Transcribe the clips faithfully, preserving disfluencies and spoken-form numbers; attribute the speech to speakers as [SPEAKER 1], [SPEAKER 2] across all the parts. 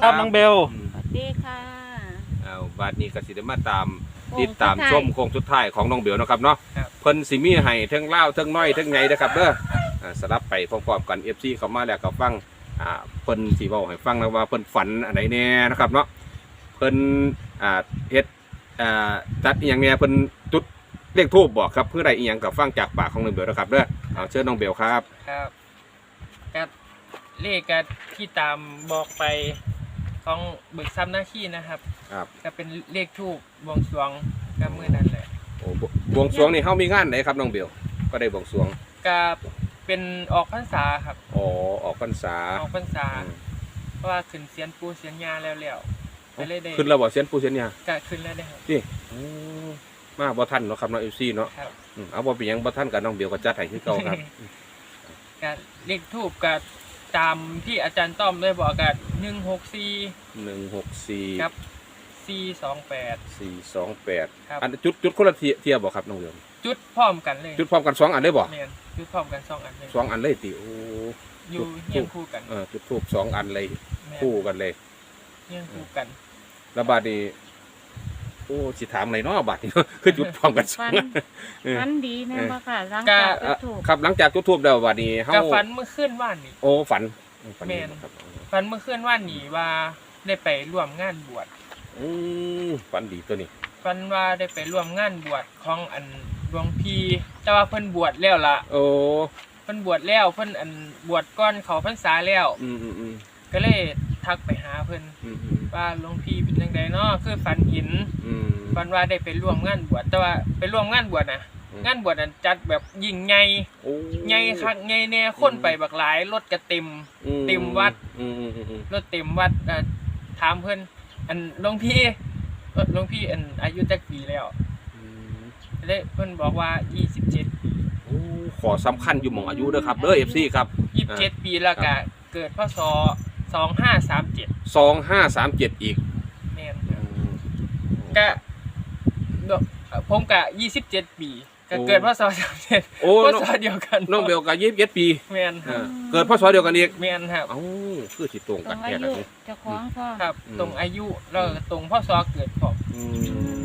[SPEAKER 1] ครับน้องเบล
[SPEAKER 2] สวัสดีค่ะ
[SPEAKER 3] เอาบัดนี้ก็สิได้มาตามติดตามชมโค้งสุดท้ายของน้องเบลนะครับเนาะเพิ่นสิมีให้ทั้งเล่าทั้งน้อยทั้งไงนะครับเด้อสลับไปพร้อมๆกัน เอฟ ซี เข้ามาแล้วก็ฟังอ่าเพิ่นสิเว้าให้ฟังนะว่าเพิ่นฝันอันไหนแน่นะครับเนาะเพิ่นอ่าเฮ็ดอ่าจัดอีหยังแน่เพิ่นจุดเลขทูปบอกครับเพื่อใดอีหยังก็ฟังจากปากของน้องเบลนะครับเด้อเอาเชิญน้องเบลครับ
[SPEAKER 4] ครับก็เลขก็ที่ตามบอกไปของเบิกทรัพย์หน้าที่นะครับ
[SPEAKER 3] ครับ
[SPEAKER 4] ก็เป็นเลขทูบบวงสรวงก็มื้อนั้นแหละ
[SPEAKER 3] โอ้บวงสรวงนี่เฮามีงานไหนครับน้องเบลก็ได้บวงสรวง
[SPEAKER 4] ก็เป็นออกพรรษาครับ
[SPEAKER 3] อ๋อออกพรรษา
[SPEAKER 4] ออกพรรษาเพราะว่าขึ้นเสียนปูเสียนยาแล้วแล้วไปเลยได้
[SPEAKER 3] ขึ้นแล้วบ่เสียนปูเสียนยา
[SPEAKER 4] ก็ขึ้นแล้วได้ครับ
[SPEAKER 3] นี่มาบ่ทันเนาะครับน้อง เอฟ ซี เนาะเอาบ่เป็นหยังบ่ทันกับน้องเบลก็จัดให้คือเก่าครับ
[SPEAKER 4] ก็เลขทูบก็ตามที่อาจารย์ต้อมได้บอกกันหนึ่งหกสี่
[SPEAKER 3] หนึ่งหกสี่
[SPEAKER 4] ครับสี่สองแปด
[SPEAKER 3] สี่สองแปดอันจุดจุดคนละเทียบบ่ครับน้องเบล
[SPEAKER 4] จุดพร้อมกันเลย
[SPEAKER 3] จุดพร้อมกันสองอันได้บ่
[SPEAKER 4] แม่นจุดพร้อมกันสองอันเลย
[SPEAKER 3] สองอันเลยติโอ้
[SPEAKER 4] อยู่เฮียงคู่กัน
[SPEAKER 3] เออจุดทูบสองอันเลยคู่กันเลย
[SPEAKER 4] เฮียงคู่กัน
[SPEAKER 3] แล้วบัดนี้โอ้สิถามไหนเนาะบัดนี้คือจุดพร้อมกันสองอัน
[SPEAKER 2] ฝันดีแม่บ่ค่ะหลังจากจุดทูบ
[SPEAKER 3] ครับหลังจากจุดทูบแล้วบัดนี้
[SPEAKER 4] เฮาก็ฝันเมื่อคืนว่านนี่
[SPEAKER 3] โอ้ฝัน
[SPEAKER 4] แม่นฝันเมื่อคืนว่านนี่ว่าได้ไปร่วมงานบวช
[SPEAKER 3] อือฝันดีตัวนี้
[SPEAKER 4] ฝันว่าได้ไปร่วมงานบวชของอันหลวงพี่แต่ว่าเพิ่นบวชแล้วล่ะ
[SPEAKER 3] โอ้
[SPEAKER 4] เพิ่นบวชแล้วเพิ่นอันบวชก่อนเข้าพรรษาแล้ว
[SPEAKER 3] อือๆ
[SPEAKER 4] ๆก็เลยทักไปหาเพิ่นว่าหลวงพี่เป็นจังไดเนาะคือฝันเห็นฝันว่าได้ไปร่วมงานบวชแต่ว่าไปร่วมงานบวชน่ะงานบวชนั้นจัดแบบยิ่งใหญ่ใหญ่คักใหญ่แน่คนไปบักหลายรถก็เต็มเต็มวัดรถเต็มวัดถามเพิ่นอันหลวงพี่หลวงพี่อันอายุจักปีแล้วเลยเพิ่นบอกว่ายี่สิบเจ็ด
[SPEAKER 3] โอ้ขอสำคัญอยู่หม่องอายุเด้อครับเด้อ เอฟ ซี ครับ
[SPEAKER 4] ยี่สิบเจ็ดปีแล้วก็เกิดพศสองห้าสามเจ็ด
[SPEAKER 3] สองห้าสามเจ็ดอีก
[SPEAKER 4] แม่นก็ผมก็ยี่สิบเจ็ดปีก็เกิดพศสามเจ็ดพศเดียวกัน
[SPEAKER 3] น้องเบลก็ยี่สิบเจ็ดปี
[SPEAKER 4] แม่นครับ
[SPEAKER 3] เกิดพศเดียวกันอีก
[SPEAKER 4] แม่นครับ
[SPEAKER 3] เอ้าคือสิตรงกันแท้
[SPEAKER 2] เลยเจ้าของพ่อ
[SPEAKER 4] ครับตรงอายุแล้วตรงพศเกิดพออืม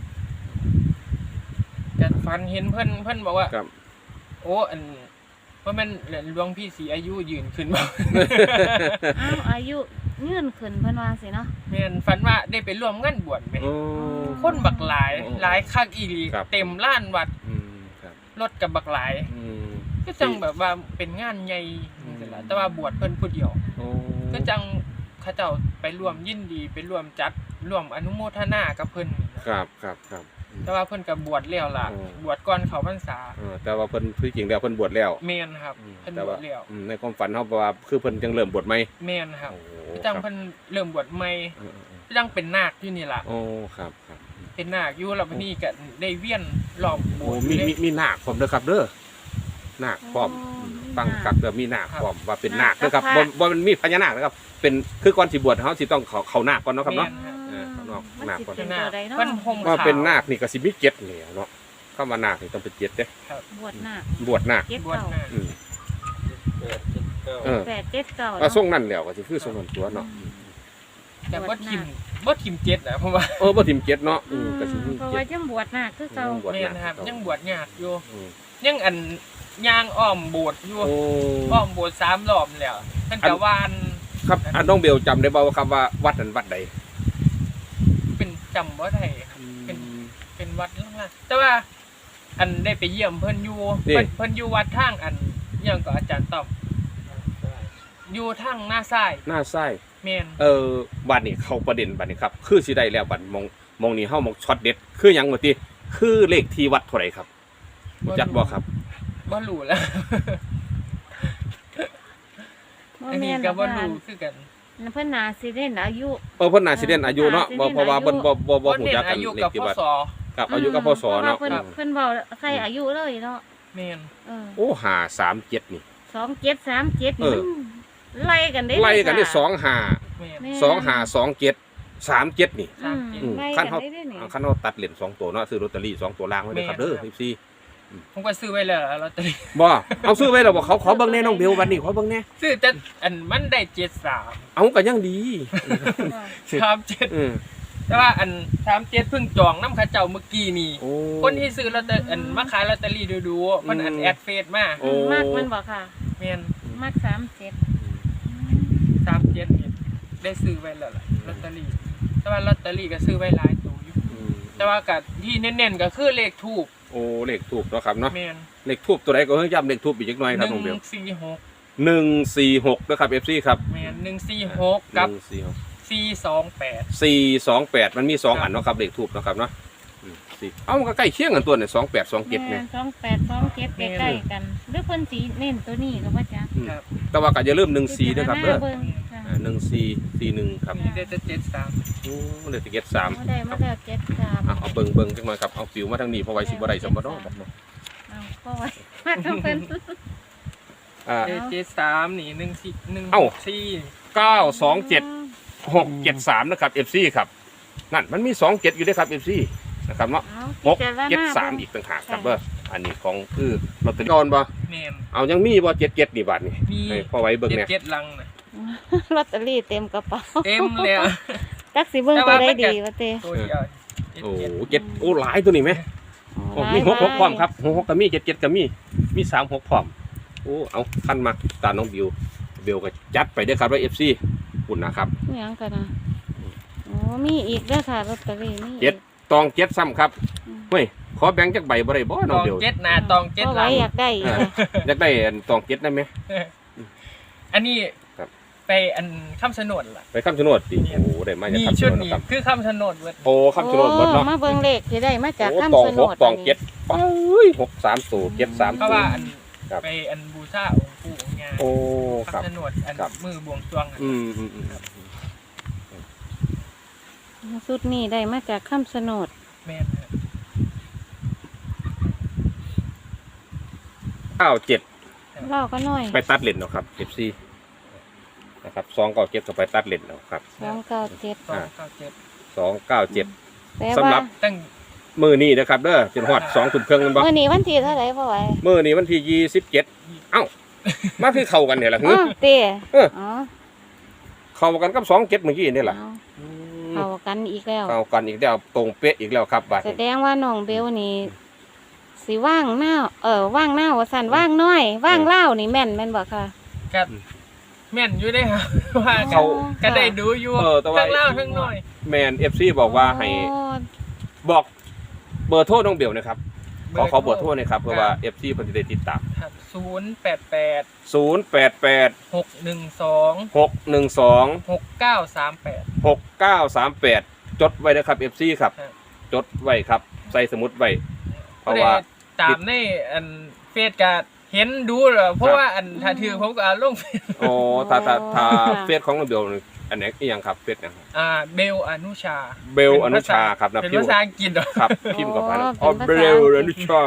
[SPEAKER 4] แต่ฝันเห็นเพิ่นเพิ่นบอกว่าโอ้อันว่ามันหลวงพี่สีอายุยืนขึ้นบ่
[SPEAKER 2] อ้าวอายุยืนขึ้นเพิ่นว่าสิเนาะ
[SPEAKER 4] แม่นฝันว่าได้ไปร่วมงานบวชแม่คนบักหลายหลายคักอีหลีเต็มลานวัดรถกับบักหลายก็จังแบบว่าเป็นงานใหญ่จังซี่ล่ะแต่ว่าบวชเพิ่นผู้เดียวก็จังเขาเจ้าไปร่วมยินดีไปร่วมจัดร่วมอนุโมทนากับเพิ่น
[SPEAKER 3] ครับครับครับ
[SPEAKER 4] แต่ว่าเพิ่นก็บวชแล้วล่ะบวชก่อนเข้าพรรษา
[SPEAKER 3] เออแต่ว่าเพิ่นคือจริงแล้วเพิ่นบวชแล้ว
[SPEAKER 4] แม่นครับเพิ่นบวชแล้ว
[SPEAKER 3] ในความฝันเฮาว่าคือเพิ่นจังเริ่มบวชใหม่
[SPEAKER 4] แม่นครับจังเพิ่นเริ่มบวชใหม่จังเป็นนาคอยู่นี่ล่ะ
[SPEAKER 3] โอ้ครับครับ
[SPEAKER 4] เป็นนาคอยู่แล้วบัดนี้ก็ได้เวียนรอบโบสถ์
[SPEAKER 3] มีมีมีนาคพร้อมเด้อครับเด้อนาคพร้อมฟังกับเด้อมีนาคพร้อมว่าเป็นนาคเด้อครับบ่บ่มันมีพญานาคนะครับเป็นคือก่อนสิบวชเฮาสิต้องเข้าเข้านาคก่อนเนาะครับเนาะ
[SPEAKER 2] นาคก่อน
[SPEAKER 4] เพิ่นห่มขาว
[SPEAKER 3] ว่าเป็นนาคนี่ก็สิมีเจ็ดนี่เนาะคำว่านาคนี่ต้องเป็นเจ็ดเด้
[SPEAKER 2] บวชนาค
[SPEAKER 3] บวชนาค
[SPEAKER 4] บวชนาคอืม
[SPEAKER 3] เออ
[SPEAKER 2] แปดเจ็ดเก้า
[SPEAKER 3] ก็ทรงนั้นแล้วก็สิคือทรงนั้นตัวเนาะ
[SPEAKER 4] แต่บ่ทิ่มบ่ทิ่มเจ็ดน่ะเพราะว่า
[SPEAKER 3] เออบ่ทิ่มเจ็ดเนาะอื
[SPEAKER 2] มก็สิมีเพราะว่ายังบวชนาคคือเก่า
[SPEAKER 4] แม่นครับยังบวชยากอยู่ยังอันย่างอ้อมโบสถ์อยู่อ้อมโบสถ์สามรอบแล้วเพิ่นก็วาน
[SPEAKER 3] ครับอันน้องเบลจำได้บ่ครับว่าวัดนั้นวัดใด
[SPEAKER 4] เป็นจำบ่ได้ครับเป็นเป็นวัดล่างๆแต่ว่าอันได้ไปเยี่ยมเพิ่นอยู่เพิ่นเพิ่นอยู่วัดทางอันหยังก็อาจารย์ตอบอยู่ทางหน้าซ้าย
[SPEAKER 3] หน้าซ้าย
[SPEAKER 4] แม่น
[SPEAKER 3] เออบัดนี้เข้าประเด็นบัดนี้ครับคือสิได้แล้วบัดมองมองนี่เฮามองช็อตเด็ดคือหยังว่าติคือเลขที่วัดเท่าไหร่ครับรู้จักบ่ครับ
[SPEAKER 4] บ่รู้แล้วอันนี้ก็บ่รู้คือกัน
[SPEAKER 2] เพิ่นน่าสิเด่นอายุ
[SPEAKER 3] เออเพิ่นน่าสิเด่นอายุเนาะบ่เพราะว่าเพิ่นบ่บ่บ่ฮู้จักกันเลขที่วัดครับอายุกับพศเนาะ
[SPEAKER 2] เพิ่นเพิ่นเว้าใส่อายุเลยเนาะ
[SPEAKER 4] แม่น
[SPEAKER 3] เออโอ้ห้าสามเจ็ดนี่
[SPEAKER 2] สองเจ็ดสามเจ็ดนี่ไล่กันได้
[SPEAKER 3] ไล่กันได้สองห้า สองห้า สองเจ็ด สามเจ็ดนี่คันเฮาคันเฮาตัดเหรียญสองตัวเนาะซื้อลอตเตอรี่สองตัวล่างไว้เด้อครับเด้อ สิบสี่อื
[SPEAKER 4] ผมก็ซื้อไว้แล้วล่ะลอตเตอรี่
[SPEAKER 3] บ่เอาซื้อไว้แล้วบ่เขาขอเบิ่งแน่น้องเบลวันนี้ขอเบิ่งแน่
[SPEAKER 4] ซื้อแต่อันมันได้เจ็ดสาม
[SPEAKER 3] เอาก็ยังดี
[SPEAKER 4] สามเจ็ด
[SPEAKER 3] เออ
[SPEAKER 4] แต่ว่าอันสามเจ็ดเพิ่งจองน้ำเข้าเจ้าเมื่อกี้นี่
[SPEAKER 3] โอ้
[SPEAKER 4] คนที่ซื้อลอตเตอรี่อันมาขายลอตเตอรี่ดูๆมันอัน
[SPEAKER 3] อืม
[SPEAKER 4] แอดเฟซมา
[SPEAKER 3] โอ้
[SPEAKER 2] มากมันบอกค่ะ
[SPEAKER 4] แม่น
[SPEAKER 2] มากสามเจ็ด
[SPEAKER 4] สามเจ็ดนี่ได้ซื้อไว้แล้วล่ะลอตเตอรี่แต่ว่าลอตเตอรี่ก็ซื้อไว้หลายตัวอยู่
[SPEAKER 3] อืม
[SPEAKER 4] แต่ว่ากับที่เน้นๆก็คือเลขทูบ
[SPEAKER 3] โอ้เลขทูบเนาะครับเนาะ
[SPEAKER 4] แม่น
[SPEAKER 3] เลขทูบตัวใดก็เพิ่งย้ำเลขทูบอีกจักหน่อยครับน้องเบล
[SPEAKER 4] หนึ่งสี่หก
[SPEAKER 3] หนึ่งสี่หกนะครับ เอฟ ซี ครับ
[SPEAKER 4] แม่นหนึ่งสี่หกกับ
[SPEAKER 3] หนึ่งสี่หก
[SPEAKER 4] สี่สองแปด
[SPEAKER 3] สี่สองแปดมันมีสองอันเนาะครับเลขทูบเนาะครับเนาะอืมสี่เอ้ามันก็ใกล้เคียงกันตัวเนี่ยสองแปดสองเจ็ดเนี่ย
[SPEAKER 2] สองแปดสองเจ็ดใกล้ๆกันหรือคนสีเน้นตัวนี้ก็ว่าจ้ะ
[SPEAKER 3] อืม
[SPEAKER 4] ครับ
[SPEAKER 3] แต่ว่าก็อย่าลืมหนึ่งสี่ด้วยครับเด้อ
[SPEAKER 2] เบิ่งค่ะ
[SPEAKER 3] หนึ่งสี่สี่หนึ่งครับ
[SPEAKER 4] มีได้จะเจ็ดสาม
[SPEAKER 3] โอ้เลขเจ็ดสาม
[SPEAKER 2] มาได้มาได้เจ็ดสาม
[SPEAKER 3] อ่ะเอาเบิ่งเบิ่งจังหน่อยครับเอาฟิวมาทางนี้เพราะไว้สิบ่ได้สมบัติเนาะ
[SPEAKER 2] เอาก็ไว้มาต้องเป็น
[SPEAKER 3] อ่า
[SPEAKER 4] ได้เจ็ดสามนี่หนึ่งสี่หนึ่ง
[SPEAKER 3] เอ้า
[SPEAKER 4] สี่
[SPEAKER 3] เก้าสองเจ็ดหกเจ็ดสามนะครับ เอฟ ซี ครับนั่นมันมีสองเจ็ดอยู่ด้วยครับ เอฟ ซี นะครับเนาะ
[SPEAKER 2] เอา
[SPEAKER 3] หก
[SPEAKER 2] พิจารณ
[SPEAKER 3] เจ็ดสาม
[SPEAKER 2] บิ่ง
[SPEAKER 3] อีกต่างหากครับเด้ออันนี้ของคือลอตเตอรี่ก่อนบ่
[SPEAKER 4] แม่น
[SPEAKER 3] เอายังมีบ่เจ็ดเจ็ดนี่บาทนี่
[SPEAKER 4] มี
[SPEAKER 3] ให้พอไว้เบิ่ง
[SPEAKER 4] เจ็ด
[SPEAKER 3] เนี่ย
[SPEAKER 4] เจ็ดลังนะ
[SPEAKER 2] ลอตเตอรี่เต็มกระเป๋า
[SPEAKER 4] เต็มเลยอะ
[SPEAKER 2] จักสิเบิ่งตัวได้ดีวะเต้
[SPEAKER 4] ตัวเดียวเจ็ด
[SPEAKER 3] โอ้
[SPEAKER 4] เจ็ด
[SPEAKER 3] เจ็ดโอ้หลายตัวนี่ไหมโอ้มีหกหกพร้อมครับหกหกก็มีเจ็ดเจ็ดก็มีมีสามหกพร้อมโอ้เอาขั้นมาตาน้องบิวบิวก็จัดไปเด้อครับว่า เอฟ ซี คุณนะครับ
[SPEAKER 2] นี่ยังกันนะโอ้มีอีกเด้อค่ะลอตเตอรี่มีอีก
[SPEAKER 3] เจ็ด ตองเจ็ดซ้ำครับ
[SPEAKER 2] อืม
[SPEAKER 3] เฮ้ยขอแบ่งจักใบบ่ได้บ่
[SPEAKER 4] ต
[SPEAKER 3] น้อง
[SPEAKER 4] อง
[SPEAKER 3] บิว
[SPEAKER 4] เจ็ดหนาตองเจ็ด
[SPEAKER 2] ก็
[SPEAKER 4] หลั
[SPEAKER 2] ไว้
[SPEAKER 4] ง
[SPEAKER 2] อยากได้อีกอะ
[SPEAKER 3] อยากได้อันตองเจ็ดได้ไหม
[SPEAKER 4] อันนี้
[SPEAKER 3] ครับ
[SPEAKER 4] ไปอันคำสนดล่ะ
[SPEAKER 3] ไปคำชะโนดดิโอ้ได้มาจาก
[SPEAKER 4] มี
[SPEAKER 3] คำชะ
[SPEAKER 4] ชุด
[SPEAKER 3] โนด
[SPEAKER 4] นี้
[SPEAKER 3] นะครับ
[SPEAKER 4] คือคำสนดเวิร์ด
[SPEAKER 3] โอ้คำชะโนดหมดเนาะ
[SPEAKER 2] โอ้มาเบิ่งเลขที่ได้มาจาก
[SPEAKER 3] โอ้
[SPEAKER 2] คำ
[SPEAKER 3] ตอง
[SPEAKER 2] ชะโน
[SPEAKER 3] หก
[SPEAKER 2] ด
[SPEAKER 3] ตองเจ็ดไปหกสามสูเจ็ดสาม
[SPEAKER 4] เพราะว่าอัน
[SPEAKER 3] ครับ
[SPEAKER 4] ไปอันบูชาองค์ปู่องค์ย่า
[SPEAKER 3] โอ้ครับ
[SPEAKER 4] คำสนดอัน
[SPEAKER 3] ครับ
[SPEAKER 4] มือบวงสรวงอะ
[SPEAKER 3] อืมอืมอืม
[SPEAKER 2] สุดนี้ได้มาจากคำชะโนด
[SPEAKER 4] แม่นครับ
[SPEAKER 3] เก้าเจ็ด
[SPEAKER 2] เล่าก็น้อย
[SPEAKER 3] ไปตัดเลนเนาะครับเอฟซีนะครับสองเก้าเจ็ดก็ไปตัดเลนเนาะครับ
[SPEAKER 2] สองเก้าเจ็ด
[SPEAKER 4] สองเก้าเจ็ด
[SPEAKER 3] สองเก้าเจ็ด
[SPEAKER 2] แปล
[SPEAKER 3] สำหรั
[SPEAKER 2] ว่า
[SPEAKER 3] บ
[SPEAKER 4] ตั้ง
[SPEAKER 3] มือนี้นะครับเด้อจนฮอดสองทุ่มครึ่งกันบ่
[SPEAKER 2] เมื่อนี้วันที่เท่าไหร่พ่อไหว
[SPEAKER 3] มือนี้วันที่ยี่สิบเจ็ดเอ้ามาคือเข้ากันเนี่ยล่ะ
[SPEAKER 2] อ๋
[SPEAKER 3] ฮึ
[SPEAKER 2] อเต้
[SPEAKER 3] เออ
[SPEAKER 2] อ๋อ
[SPEAKER 3] เข้ากันกับสองเจ็ดเมื่อกี้นี่แหละ
[SPEAKER 2] เอา
[SPEAKER 3] อืม
[SPEAKER 2] เข้ากันอีกแล้ว
[SPEAKER 3] เข้ากันอีกแล้วตรงเป๊ะอีกแล้วครับบัด
[SPEAKER 2] แส
[SPEAKER 3] นี้
[SPEAKER 2] ดงว่าน้องเบลนี่สิว่างหน้าเออว่างหน้าว่าสันว่างน้อย ว่างเล่านี่แม่นแม่นบ่ค่ะ
[SPEAKER 4] กัดแม่นอยู่ได้ครับ ว่า
[SPEAKER 3] เขา
[SPEAKER 4] ก็ได้ดูอยู่
[SPEAKER 3] เออแต่ว่า
[SPEAKER 4] ทั้งเล่าทั้งน้อย
[SPEAKER 3] แมนเอฟซีบอกว่าให้
[SPEAKER 2] โอ้
[SPEAKER 3] บอกเบอร์โทรน้องเบลนะครับขอขอเบอร์โทรหนะครับเพื่อว่า เอฟ ซี เพิ่นจะได้ติดตาม
[SPEAKER 4] ครับศูนย์แปดแปด
[SPEAKER 3] ศูนย์ แปด แปด
[SPEAKER 4] หกหนึ่งสอง
[SPEAKER 3] หก หนึ่ง สอง
[SPEAKER 4] หกเก้าสามแปด
[SPEAKER 3] หก เก้า สาม แปด จดไว้นะครับ เอฟ ซี ครับ
[SPEAKER 4] ครับ
[SPEAKER 3] จดไว้ครับ ใส่สมุดไว้ เพราะว่า
[SPEAKER 4] ตามในอันเฟซก็เห็นดูเหรอเพราะว่าอันถ้าถือผมก็เอาลงเฟซ
[SPEAKER 3] โอ้ถ้าถ้าถ้าเฟซของน้องเบลนี่อันไหนอีหยังครับเฟซนะครับ
[SPEAKER 4] อ่าเบลอนุชา
[SPEAKER 3] เบลอนุชาครับนะ
[SPEAKER 4] เป็น
[SPEAKER 3] พิม
[SPEAKER 4] ภา
[SPEAKER 3] พ์
[SPEAKER 4] ษาอังกฤษเหรอ
[SPEAKER 3] ครับพิมพ์กับไปแล้ว
[SPEAKER 2] อ๋
[SPEAKER 3] อ๋
[SPEAKER 2] อ
[SPEAKER 3] อ
[SPEAKER 2] เป็น
[SPEAKER 3] เบ
[SPEAKER 2] ภาษา
[SPEAKER 3] ลอนุชา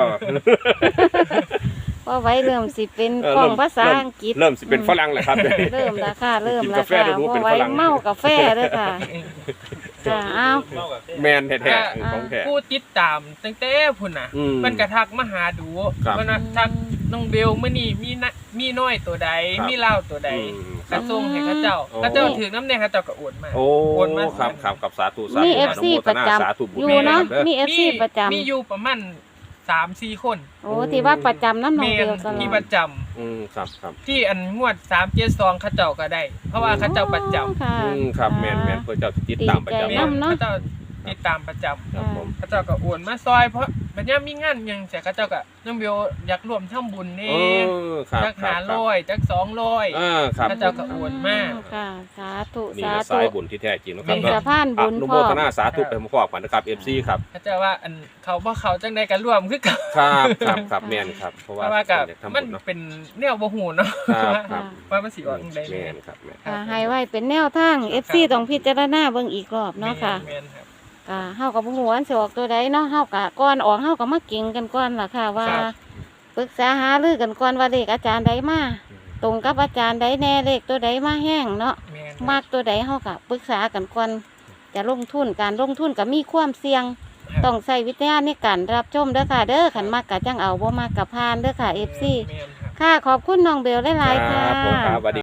[SPEAKER 2] ว่าไว้เริ่มสิเป็น
[SPEAKER 3] เออ
[SPEAKER 2] ของ
[SPEAKER 3] เริ่ม
[SPEAKER 2] ภาษาอังกฤษ
[SPEAKER 3] เริ่มสิเป็นฝรั่งเลยครับ
[SPEAKER 2] เริ่มแล้วค่ะเริ่ม
[SPEAKER 3] กิน
[SPEAKER 2] แล้ว
[SPEAKER 3] กาแฟ
[SPEAKER 2] ค่ะ
[SPEAKER 3] แล้วรู้
[SPEAKER 2] เพ
[SPEAKER 3] เป็น
[SPEAKER 2] ราะไว้
[SPEAKER 3] ฝรั่ง
[SPEAKER 2] เมากาแฟเด้วยค่ะจ้าเอา
[SPEAKER 3] แมนแท้ๆของแท้
[SPEAKER 4] ผู้ติดตามตั้งแต่พุ่นน่ะ
[SPEAKER 3] อืม
[SPEAKER 4] มันกระทักมาหาดู
[SPEAKER 3] ครับ
[SPEAKER 4] มันว่าทักน้องเบลมื้อนี้มีนะมีน้อยตัวใด
[SPEAKER 3] ครับ
[SPEAKER 4] มีเล่าวตัวใด
[SPEAKER 3] อืมค
[SPEAKER 4] ก
[SPEAKER 3] รั
[SPEAKER 4] ระ
[SPEAKER 3] บ
[SPEAKER 4] ทรงให้เขาเจ้า
[SPEAKER 3] โอ้
[SPEAKER 4] เขาเจ้าถือน้ำแดงเขาเจ้าก็โอนมา
[SPEAKER 3] โอ้
[SPEAKER 4] โอนมา
[SPEAKER 3] ครับครับกับสาธุสา
[SPEAKER 2] มี
[SPEAKER 3] ธุ
[SPEAKER 2] เอฟซี
[SPEAKER 3] อนุโม
[SPEAKER 2] ประ
[SPEAKER 3] ทนา
[SPEAKER 2] จ
[SPEAKER 3] สาธุบุญ
[SPEAKER 2] ำอยู่เนาะ
[SPEAKER 3] ด้
[SPEAKER 2] มีเอฟซีประจำ
[SPEAKER 4] มีอยู่ประมาณสามสี่คน
[SPEAKER 2] โอ้ที่ว่าประจำน้ำน
[SPEAKER 4] เม
[SPEAKER 2] องเบ
[SPEAKER 4] น
[SPEAKER 2] ลตลอ
[SPEAKER 4] ที่
[SPEAKER 2] ด
[SPEAKER 4] ประจำ
[SPEAKER 3] อืมครับครับ
[SPEAKER 4] ที่อันงวดสามเจ็ดสองเขาเจ้าก็ได้ เพราะว่าเขาเจ้าประจำ
[SPEAKER 2] ค่ะ
[SPEAKER 3] อืมครับแมนแมนเพื่อเจ้าติดตามประจำ
[SPEAKER 2] ดี
[SPEAKER 4] แม่
[SPEAKER 2] ใจ
[SPEAKER 4] น
[SPEAKER 2] นำเนาะ
[SPEAKER 4] เขาเจ้าติดตามประจำ
[SPEAKER 3] ครับผม
[SPEAKER 4] เขาเจ้าก็โอนมาซอยเพราะบัดนี้มีงานหยังเสียเขาเจ้าก็น้องเบลอยากร่วมทำบุญ
[SPEAKER 3] เอ
[SPEAKER 4] นี่
[SPEAKER 3] อครับ
[SPEAKER 4] จัก
[SPEAKER 3] ครั
[SPEAKER 4] หา
[SPEAKER 3] บครับ
[SPEAKER 4] ร้อยจักสองร้อย
[SPEAKER 3] อ่าครับ
[SPEAKER 4] พระเจ้าก็ โอนมา
[SPEAKER 2] ค่ะสาธุ
[SPEAKER 3] นี่
[SPEAKER 2] สา
[SPEAKER 3] นะ
[SPEAKER 2] ธุ
[SPEAKER 3] สายบุญที่แท้จริงนะครับ
[SPEAKER 2] เป็น
[SPEAKER 3] เนาะ
[SPEAKER 2] สะพาน
[SPEAKER 3] อ
[SPEAKER 2] บุญ
[SPEAKER 3] นุ
[SPEAKER 2] พ่
[SPEAKER 3] โม
[SPEAKER 2] อ
[SPEAKER 3] ทนาสาธุไปพร้อมๆกันนะครับ เอฟ ซี ครับ
[SPEAKER 4] เขาเจ้าว่าอันเขาบ่เขาจังได๋ก็ร่วมคือเกัน
[SPEAKER 3] ครับครับครับแมนครับเพราะ
[SPEAKER 4] เพ
[SPEAKER 3] ว่า
[SPEAKER 4] ราะว่าก็
[SPEAKER 3] อยากทำ
[SPEAKER 4] มั
[SPEAKER 3] บุ
[SPEAKER 4] น
[SPEAKER 3] ญเนาะ
[SPEAKER 4] เป็นแนวบ่ฮู้เนาะ
[SPEAKER 3] ครับครับ
[SPEAKER 4] ว่ามันสิออกจังได๋
[SPEAKER 3] แมนครับแมน
[SPEAKER 2] ค่ะให้ไว้เป็นแนวทาง เอฟ ซี ต้องพิจารณาเบิ่งอีกรอบเนาะค่ะ
[SPEAKER 4] แม่นครับ
[SPEAKER 2] ค่ะเฮากับบ่ฮู้ว่าอันสิออกตัวใดเนาะเฮากะก่อนออกเฮาก็มาเก่งกันก่อนล่ะค่ะว่า
[SPEAKER 3] ครับ
[SPEAKER 2] ปรึกษาหารือกันก่อนว่าเลขอาจารย์ใดมาตรงกับอาจารย์ใดแน่เลขตัวใดมาแห้งเนาะ
[SPEAKER 4] แม่น
[SPEAKER 2] มากตัวใดเฮาก็ปรึกษากันก่อนจะลงทุนการลงทุนก็มีความเสี่ยง
[SPEAKER 4] ครับ
[SPEAKER 2] ต้องใช้วิทยาในการรับชมเด้อค่ะ เด้อขันมากกะจังเอาบ่มากกะพานเด้อค่ะ เอฟ ซี
[SPEAKER 4] แม่นครับ
[SPEAKER 2] ค่ะ ขอบคุณน้องเบลหลายๆค่ะ
[SPEAKER 3] ครับผมครับสวัสดี